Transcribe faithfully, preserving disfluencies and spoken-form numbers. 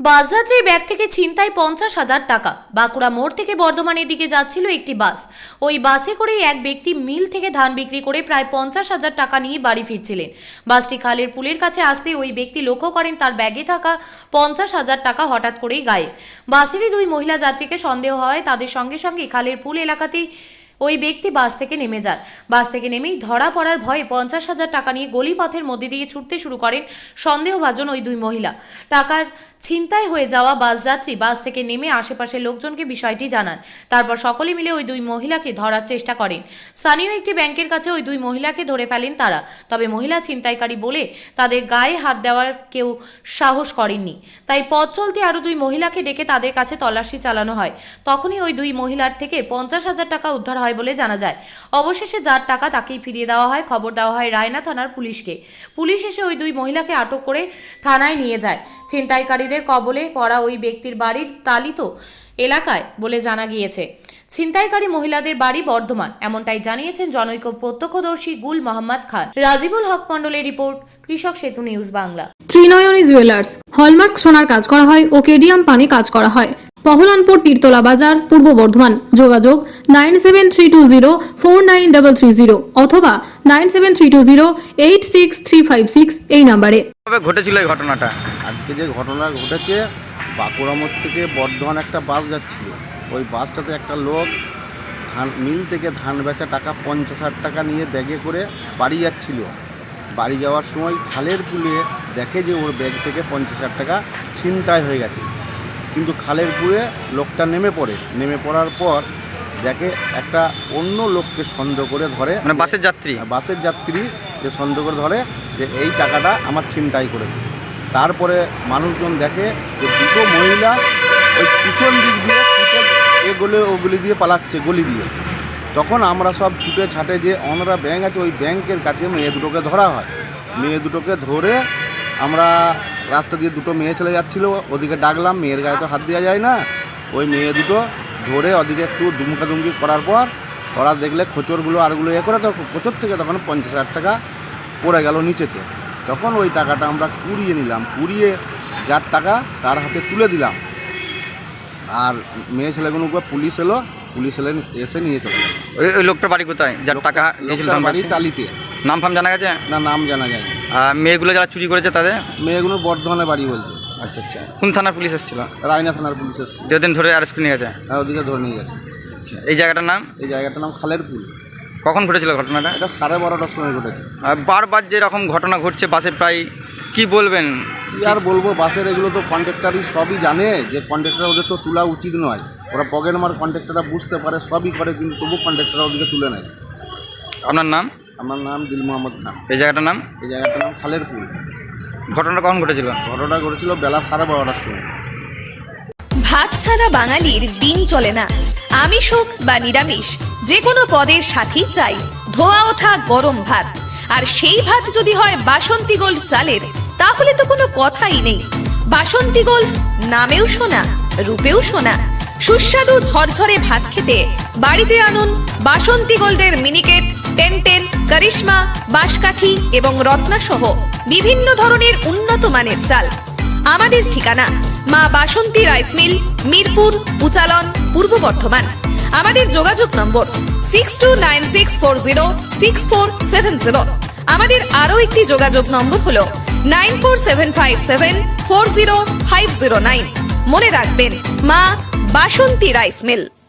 বাসযাত্রীর bag থেকে ছিনতাই পঞ্চাশ হাজার টাকা। বাঁকুড়া মোড় থেকে বর্ধমানের দিকে যাচ্ছিল একটি বাস। ওই বাসে করেই এক ব্যক্তি মিল থেকে ধান বিক্রি করে প্রায় পঞ্চাশ হাজার টাকা নিয়ে বাড়ি ফিরছিলেন। বাসটি খালের পুলের কাছে আসতে ওই ব্যক্তি লক্ষ্য করেন তার ব্যাগে থাকা পঞ্চাশ হাজার টাকা হঠাৎ করেই গায়েব। বাসেরই দুই মহিলা যাত্রীকে সন্দেহ হয়, তাদের সঙ্গে সঙ্গে খালের পুল এলাকাতেই ওই ব্যক্তি বাস থেকে নেমে যান। বাস থেকে নেমেই ধরা পড়ার ভয়ে পঞ্চাশ হাজার টাকা নিয়ে গলিপথের মধ্যে দিয়ে ছুটতে শুরু করেন সন্দেহভাজন ওই দুই মহিলা। টাকার ছিনতাই হয়ে যাওয়া বাস যাত্রী বাস থেকে নেমে আশেপাশের লোকজনকে বিষয়টি জানান। তারপর সকলে মিলে ওই দুই মহিলাকে ধরার চেষ্টা করেন। স্থানীয় একটি ব্যাংকের কাছে ওই দুই মহিলাকে ধরে ফেলেন তারা। তবে মহিলা ছিনতাইকারী বলে তাদের গায়ে হাত দেওয়ার কেউ সাহস করেননি। তাই পথ চলতে আরও দুই মহিলাকে ডেকে তাদের কাছে তল্লাশি চালানো হয়। তখনই ওই দুই মহিলার থেকে পঞ্চাশ হাজার টাকা উদ্ধার হয় বলে জানা যায়। অবশেষে যার টাকা তাকেই ফিরিয়ে দেওয়া হয়। খবর দেওয়া হয় রায়না থানার পুলিশকে। পুলিশ এসে ওই দুই মহিলাকে আটক করে থানায় নিয়ে যায়। ছিনতাইকারীদের কবলে পড়া ওই ব্যক্তির বাড়ির তালিত এলাকায় বলে জানা গিয়েছে। ছিনতাইকারী মহিলাদের বাড়ি বর্ধমান, এমনটাই জানিয়েছেন জনৈক প্রত্যক্ষদর্শী গুল মোহাম্মদ খান। রাজিবুল হক মন্ডলের report, Krishak Setu news Bangla. Trinayani jewellers hallmark সোনার কাজ করা হয় ও কেডিয়াম পানি কাজ করা হয়। পহলানপুর তীরতলা বাজার, পূর্ব বর্ধমান। যোগাযোগ nine seven three two zero four nine double three zero অথবা nine seven three two zero eight six three five six এই নাম্বারে। কিভাবে ঘটেছিল এই ঘটনাটা? আজকে যে ঘটনা ঘটেছে, বাঁকুড়া মোড় থেকে বর্ধমান একটা বাস যাচ্ছিল। ওই বাসটাতে একটা লোক ধান মিল থেকে ধান বেচা টাকা পঞ্চাশ হাজার টাকা নিয়ে ব্যাগে করে বাড়ি যাচ্ছিল। বাড়ি যাওয়ার সময় খালের পুলে দেখে যে ওর ব্যাগ থেকে পঞ্চাশ হাজার টাকা ছিনতাই হয়ে গেছে। কিন্তু খালের পুলে লোকটা নেমে পড়ে। নেমে পড়ার পর দেখে একটা অন্য লোককে সন্দেহ করে ধরে, মানে বাসের যাত্রী বাসের যাত্রী যে সন্দেহ করে ধরে যে এই টাকাটা আমার ছিনতাই করেছে। তারপরে মানুষজন দেখে যে দুটো মহিলা ওই পিছন দিক দিয়ে ছুটে এ গলে ওগুলি দিয়ে পালাচ্ছে, গলি দিয়ে। তখন আমরা সব ছুটে ছাটে যে অনরা ব্যাংক আছে, ওই ব্যাংকের কাছে মেয়ে দুটোকে ধরা হয়। মেয়ে দুটোকে ধরে আমরা রাস্তা দিয়ে দুটো মেয়ে চলে যাচ্ছিলো, ওদিকে ডাকলাম, মেয়ের গায়ে তো হাত দেওয়া যায় না। ওই মেয়ে দুটো ধরে ওদিকে একটু দুমকা দুমকি করার পর ওরা দেখলে খোঁচরগুলো আরগুলো এ করে, তো খোঁচর থেকে তখন পঞ্চাশ হাজার টাকা পড়ে গেল নিচেতে। তখন ওই টাকাটা আমরা কুড়িয়ে নিলাম, কুড়িয়ে যার টাকা তার হাতে তুলে দিলাম। আর মেয়ে ছেলেগুলোকে পুলিশ এলো, পুলিশ এলে এসে নিয়ে চলে গেল। ওই ওই লোকটার বাড়ি কোথায় যার টাকা দিয়েছিল? বাড়ি টালিতে। নাম ফাম জানা গেছে? না, নাম জানা যায় না। আর মেয়েগুলো যারা চুরি করেছে তাদের? মেয়েগুলো বর্ধমানে বাড়ি বলছে। আচ্ছা আচ্ছা। কোন থানার পুলিশ এসেছিল? রায়না থানার পুলিশ এসেছিল। দুদিন ধরে অ্যারেস্ট করে নিয়ে গেছে? হ্যাঁ, ওদিকে ধরে নিয়ে গেছে। আচ্ছা, এই জায়গাটার নাম? এই জায়গাটার নাম খালের পুল। কখন ঘটেছিল ঘটনাটা? এটা সাড়ে বারোটার সময় ঘটেছে। আর বারবার যে এরকম ঘটনা ঘটছে বাসে, প্রায় কি বলবেন? কি আর বলবো, বাসের এগুলো তো কন্ট্রাক্টারই সবই জানে যে কন্ট্রাক্টার ওদের তো তোলা উচিত নয়। ওরা পকেট মার কন্ট্রাক্টাররা বুঝতে পারে, সবই করে, কিন্তু তবু কন্ট্রাক্টাররা ওদিকে তুলে নেয়। আপনার নাম? আমার নাম দিল মোহাম্মদ খান। এই জায়গাটার নাম? এই জায়গাটার নাম খালের পুল। ঘটনাটা কখন ঘটেছিল? ঘটনাটা ঘটেছিল বেলা সাড়ে বারোটার সময়। ভাত ছাড়া বাঙালির দিন চলে না। আমিষ হোক বা নিরামিষ, যে কোনো পদের সাথেই চাই ধোয়া ওঠা গরম ভাত। আর সেই ভাত যদি হয় বাসন্তী গোল্ড চালের, তাহলে তো কোনো কথাই নেই। বাসন্তী গোল্ড নামেও শোনা, রূপেও শোনা। সুস্বাদু ঝরঝরে ভাত খেতে বাড়িতে আনুন বাসন্তী গোল্ডের মিনিকেট, টেনটেন, করিশ্মা, বাঁশকাঠি এবং রত্না সহ বিভিন্ন ধরনের উন্নত মানের চাল। আমাদের ঠিকানা মা বাসন্তী রাইস মিল, মিরপুর, উচালন, পূর্ব বর্ধমান। আমাদের যোগাযোগ নম্বর six two nine six four zero six four seven zero. আমাদের আরও একটি যোগাযোগ নম্বর হল nine four seven five seven four zero five zero nine. মনে রাখবেন, মা বাসন্তী রাইস মিল।